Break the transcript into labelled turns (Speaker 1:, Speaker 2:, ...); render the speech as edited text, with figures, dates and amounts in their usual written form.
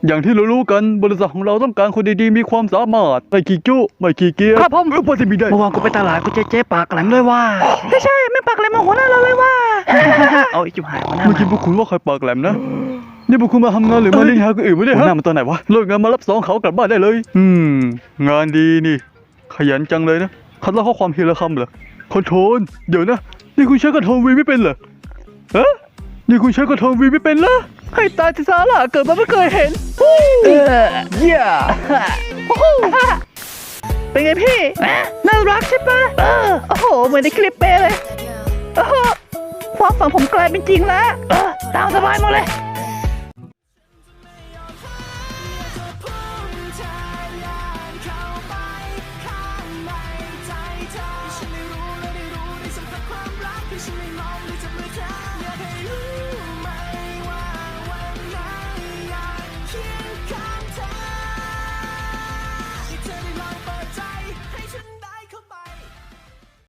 Speaker 1: อย่างที่รู้ๆกันบริษัทของเราต้องการคนดีๆมีความสามารถไม่ขี้จุ้ไม่ขี้เกียจ
Speaker 2: ครับผม
Speaker 1: พอจะมีได้
Speaker 2: เมื่อวานกูไปตลาดกูเจ๊ปากแหลมเลยว่าใช่ไม่ปากแหลมมาหัวหน้าเราเลยว่า เอาไอ้จุ๋หายหัวหน้า
Speaker 1: เมื่อกี้พวกคุณว่าใครปากแหลมนะนี่พวกคุณมาทำงานหรือมาเล่นหาคนอื่นไม่ได้ฮะหน้ามันตอนไหนวะเลิกงานมารับสองเขากลับบ้านได้เลย งานดีนี่ ขยันจังเลยนะคัดเล่าข้อความทีละคำเหรอคอนโทรลเดี๋ยวนะนี่คุณใช้คอนโทรลวีไม่เป็นเหรอฮะนี่คุณใช้คอนโทรลวีไม่เป็นเหรอ
Speaker 2: ให้ตายที่ซาร่าเกิดมาไม่เคยเห็นเยี่ยเป็นไงพี่น่ารักใช่ปะโอ้โหเหมือนในคลิปเป๊ะเลยโอ้โหความฝันผมกลายเป็นจริงแล้วตามสบายหมดเลย